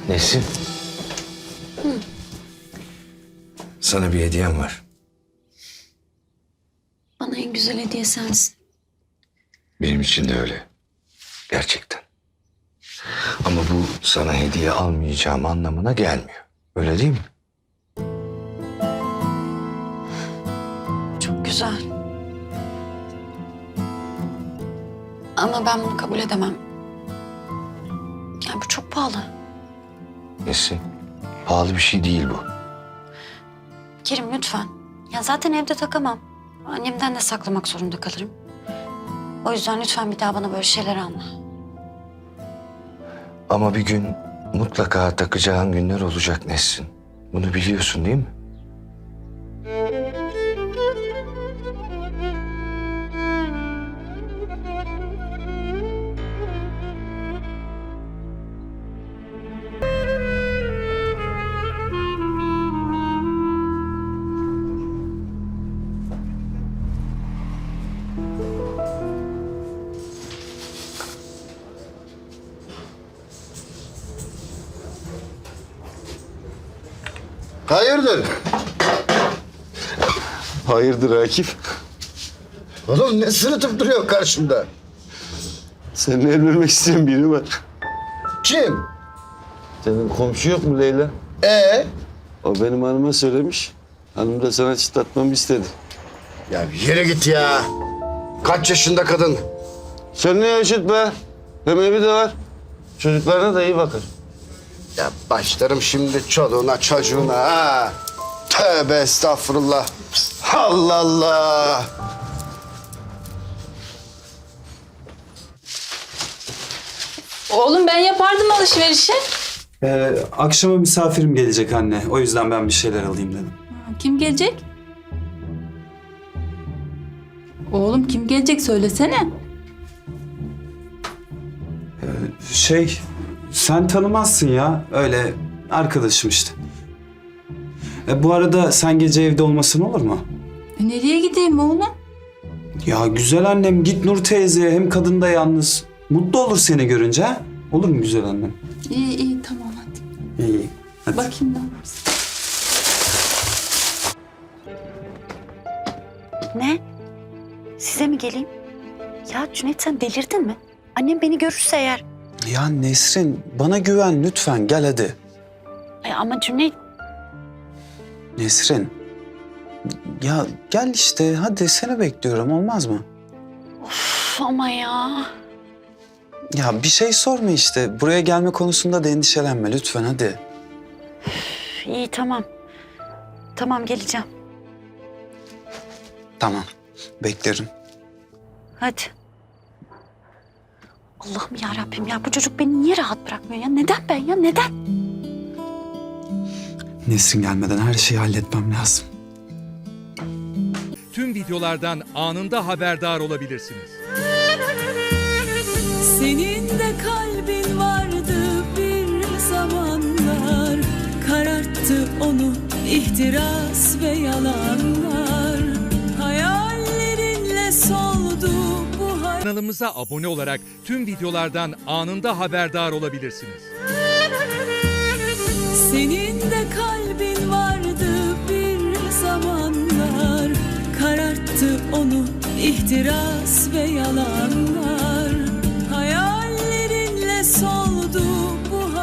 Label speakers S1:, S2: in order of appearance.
S1: Nesin? Sana bir hediyem var.
S2: Bana en güzel hediye sensin.
S1: Benim için de öyle. Gerçekten. Ama bu sana hediye almayacağım anlamına gelmiyor. Öyle değil mi?
S2: Çok güzel. Ama ben bunu kabul edemem. Yani bu çok pahalı.
S1: Nesin? Pahalı bir şey değil bu.
S2: Kerim lütfen. Ya zaten evde takamam. Annemden de saklamak zorunda kalırım. O yüzden lütfen bir daha bana böyle şeyler alma.
S1: Ama bir gün mutlaka takacağın günler olacak Nesin. Bunu biliyorsun değil mi?
S3: Hayırdır?
S4: Hayırdır Akif?
S3: Oğlum ne sırıtıp duruyor karşımda?
S4: Seninle evlenmek isteyen biri var.
S3: Kim?
S4: Senin komşu yok mu Leyla? O benim hanıma söylemiş. Hanım da sana çıtlatmamı istedi.
S3: Ya bir yere git ya. Kaç yaşında kadın?
S4: Sen ne yaşıt be? Hem evi de var. Çocuklarına da iyi bakır.
S3: Ya başlarım şimdi çoluğuna çocuğuna ha. Tövbe estağfurullah. Allah Allah.
S5: Oğlum ben yapardım alışverişi.
S6: Akşama misafirim gelecek anne. O yüzden ben bir şeyler alayım dedim.
S5: Kim gelecek? Oğlum kim gelecek söylesene.
S6: Sen tanımazsın ya. Öyle arkadaşım işte. Bu arada sen gece evde olmasın olur mu?
S5: Nereye gideyim oğlum?
S6: Ya güzel annem git Nur teyzeye. Hem kadın da yalnız. Mutlu olur seni görünce ha? Olur mu güzel annem?
S5: İyi tamam hadi.
S6: İyi. Hadi.
S5: Bakayım ne yapmışsın.
S2: Ne? Size mi geleyim? Ya Cüneyt sen delirdin mi? Annem beni görürse eğer.
S6: Ya Nesrin bana güven lütfen gel hadi.
S2: Ama Cüneyt
S6: Nesrin. Ya gel işte hadi seni bekliyorum olmaz mı?
S2: Üf, ama ya.
S6: Ya bir şey sorma işte. Buraya gelme konusunda da endişelenme lütfen hadi.
S2: İyi tamam. Tamam geleceğim.
S6: Tamam. Beklerim.
S2: Hadi. Allah'ım ya Rabbim ya bu çocuk beni niye rahat bırakmıyor ya? Neden ben ya? Neden?
S6: Nesrin gelmeden her şeyi halletmem lazım.
S7: Tüm videolardan anında haberdar olabilirsiniz.
S8: Senin de kalbin vardı bir zamanlar, kararttı onu ihtiras ve yalanlar. Hayallerinle soldu bu
S7: Kanalımıza abone olarak tüm videolardan anında haberdar olabilirsiniz.
S8: Senin de kalbin vardı bir zamanlar, kararttı onu ihtiras ve yalanlar.